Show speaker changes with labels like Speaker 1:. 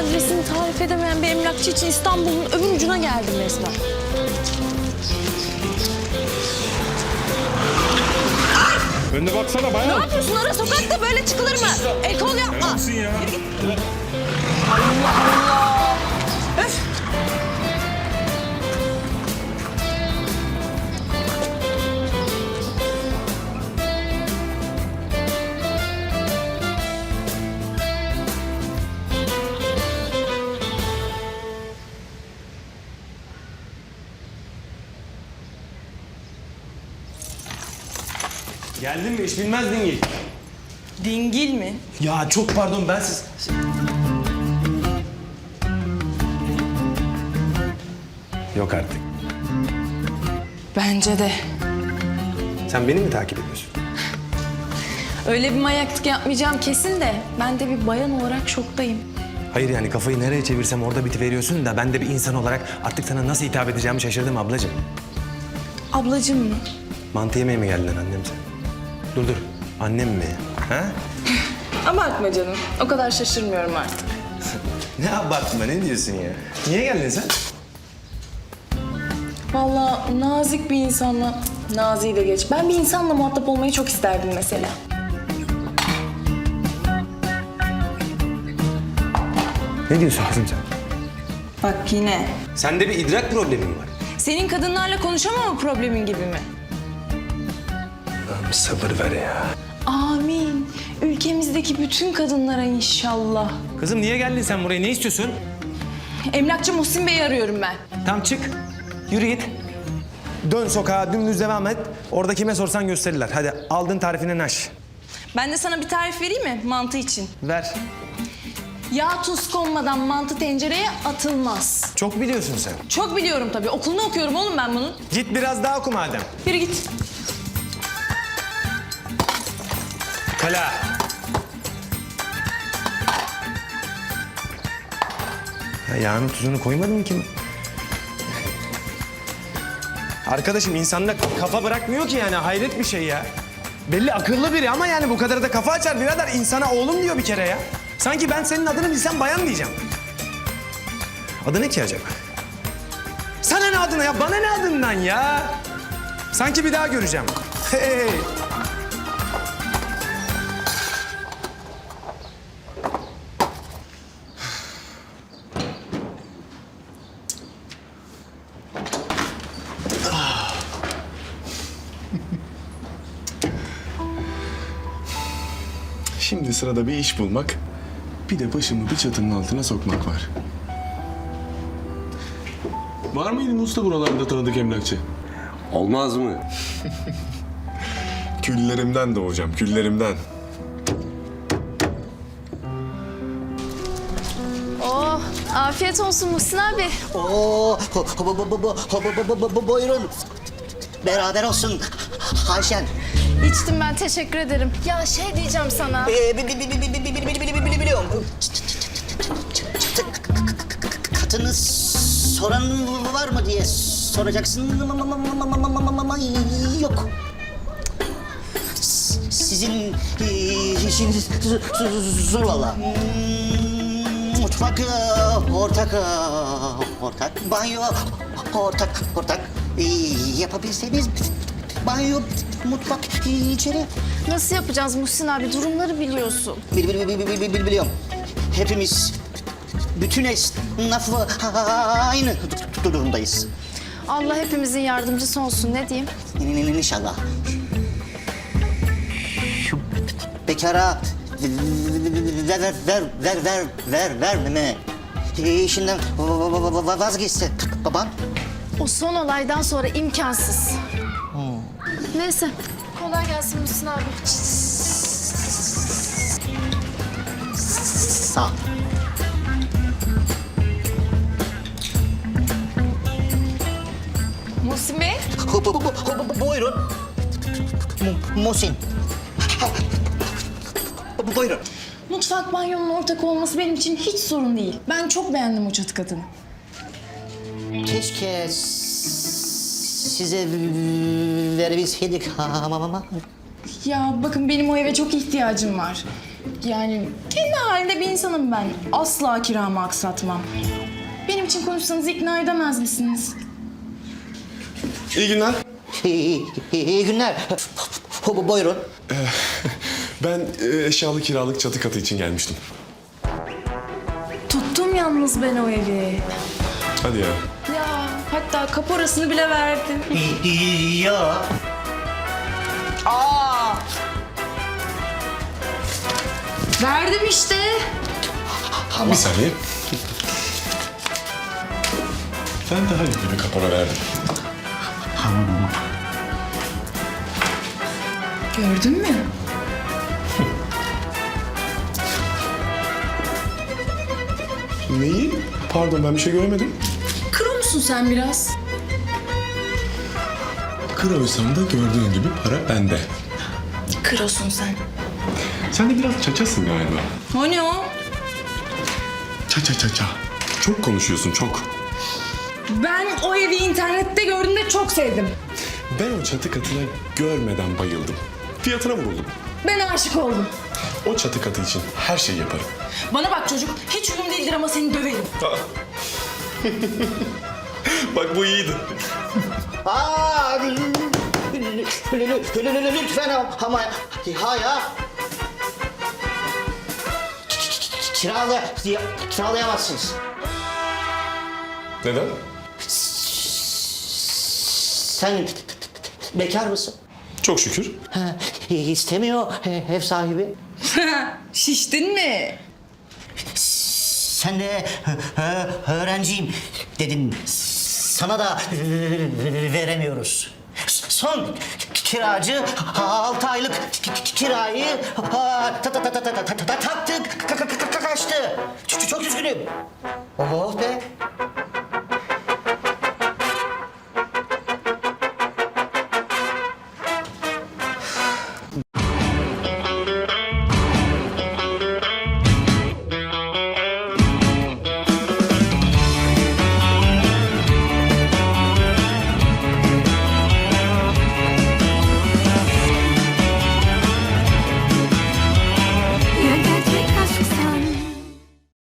Speaker 1: adresini tarif edemeyen bir emlakçı için İstanbul'un öbür ucuna geldim resmen.
Speaker 2: Önüne baksana bayağı.
Speaker 1: Ne yapıyorsun? Ara sokakta böyle çıkılır mı? El kol yapma.
Speaker 2: Yapsın ya.
Speaker 1: Allah Allah. Öf.
Speaker 3: Geldin mi? İş bilmez dingil.
Speaker 1: Dingil mi?
Speaker 3: Ya çok pardon ben siz... Yok artık.
Speaker 1: Bence de.
Speaker 3: Sen beni mi takip ediyorsun?
Speaker 1: Öyle bir manyaklık yapmayacağım kesin de ben de bir bayan olarak şoktayım.
Speaker 3: Hayır yani kafayı nereye çevirsem orada bitiveriyorsun da ben de bir insan olarak artık sana nasıl hitap edeceğimi şaşırdım ablacığım.
Speaker 1: Ablacığım mı?
Speaker 3: Mantı yemeye mi geldin annem sen? Dur. Annem mi? Ha?
Speaker 1: Abartma canım. O kadar şaşırmıyorum artık.
Speaker 3: Ne abartma ne diyorsun ya? Niye geldin sen?
Speaker 1: Vallahi nazik bir insanla, naziyi de geç. Ben bir insanla muhatap olmayı çok isterdim mesela.
Speaker 3: Ne diyorsun kızım sen?
Speaker 1: Bak yine.
Speaker 3: Sende bir idrak problemin var.
Speaker 1: Senin kadınlarla konuşamama problemin gibi mi?
Speaker 3: Allah'ım sabır ver ya.
Speaker 1: Amin. Ülkemizdeki bütün kadınlara inşallah.
Speaker 3: Kızım niye geldin sen buraya? Ne istiyorsun?
Speaker 1: Emlakçı Muhsin Bey'i arıyorum ben.
Speaker 3: Tam çık. Yürü git. Dön sokağa dümdüz devam et. Orada kime sorsan gösterirler. Hadi aldın tarifine naş.
Speaker 1: Ben de sana bir tarif vereyim mi mantı için?
Speaker 3: Ver.
Speaker 1: Yağ tuz konmadan mantı tencereye atılmaz.
Speaker 3: Çok biliyorsun sen.
Speaker 1: Çok biliyorum tabii. Okulunu okuyorum oğlum ben bunun.
Speaker 3: Git biraz daha oku madem.
Speaker 1: Yürü git.
Speaker 3: Kala. Ya yağını tuzunu koymadın mı ki? Arkadaşım insanda kafa bırakmıyor ki yani hayret bir şey ya. Belli akıllı biri ama yani bu kadar da kafa açar birader. İnsana oğlum diyor bir kere ya. Sanki ben senin adını bilsem bayan diyeceğim. Adı ne ki acaba? Sana ne adına ya? Bana ne adından ya? Sanki bir daha göreceğim. Hey.
Speaker 2: Şimdi sırada bir iş bulmak, bir de başımı bir çatının altına sokmak var. Var mıydı usta buralarda tanıdık emlakçı?
Speaker 4: Olmaz mı?
Speaker 2: Küllerimden doğacağım, küllerimden.
Speaker 5: Oh, afiyet olsun Muhsin abi.
Speaker 6: Oo, buyurun. Beraber olsun Ayşen.
Speaker 5: İçtim ben, teşekkür ederim. Ya şey diyeceğim sana.
Speaker 6: Biliyorum. Katını soran var mı diye soracaksın ama yok. Sizin işiniz zor valla. Mutfak ortak, banyo ortak. Yapabilseniz banyo, mutfak içeri.
Speaker 5: Nasıl yapacağız Muhsin abi? Durumları biliyorsun.
Speaker 6: Biliyorum. Hepimiz, bütün esnafı aynı durumdayız.
Speaker 5: Allah hepimizin yardımcısı olsun, ne diyeyim?
Speaker 6: İnşallah. Şu bekara vermeme işinden vazgeçse baban.
Speaker 5: O son olaydan sonra imkansız. Neyse, kolay gelsin Muhsin abi.
Speaker 6: Sağ ol.
Speaker 1: Muhsin Bey.
Speaker 6: Buyurun. Muhsin. Buyurun.
Speaker 1: Mutfak banyonun ortak olması benim için hiç sorun değil. Ben çok beğendim o çatı katını.
Speaker 6: Keşke size verebilseydik ama
Speaker 1: Ya bakın benim o eve çok ihtiyacım var. Yani kendi halinde bir insanım ben. Asla kiramı aksatmam. Benim için konuşsanız ikna edemez misiniz?
Speaker 2: İyi günler.
Speaker 6: İyi günler. Buyurun.
Speaker 2: Ben eşyalı kiralık çatı katı için gelmiştim.
Speaker 1: Tuttum yalnız ben o evi.
Speaker 2: Hadi ya.
Speaker 1: Ya hatta kaporasını bile verdim.
Speaker 6: Ya. Aa!
Speaker 1: Verdim işte.
Speaker 2: Bir saniye. Ben daha iyi bir kapora verdim.
Speaker 1: Gördün mü?
Speaker 2: Neyi? Pardon ben bir şey göremedim.
Speaker 1: Kro musun sen biraz?
Speaker 2: Kroysam da gördüğün gibi para bende.
Speaker 1: Krosun sen.
Speaker 2: Sen de biraz çaçasın galiba.
Speaker 1: O ne o?
Speaker 2: Ça. Çok konuşuyorsun çok.
Speaker 1: Ben o evi internette gördüğümde çok sevdim.
Speaker 2: Ben o çatı katına görmeden bayıldım. Fiyatına vuruldum.
Speaker 1: Ben aşık oldum.
Speaker 2: O çatı katı için her şeyi yaparım.
Speaker 1: Bana bak çocuk, hiç uyum değildir ama seni döverim.
Speaker 2: Bak bu iyiydi.
Speaker 6: Aa! Lütfen ama ya. Kiralayamazsınız.
Speaker 2: Neden?
Speaker 6: Sen bekar mısın?
Speaker 2: Çok şükür.
Speaker 6: Ha, istemiyor ev sahibi.
Speaker 1: Şiştin mi?
Speaker 6: Sen de öğrenciyim dedin. Sana da veremiyoruz. Son kiracı 6 aylık kirayı taktı. Kaçtı. Çok üzgünüm. Oh be.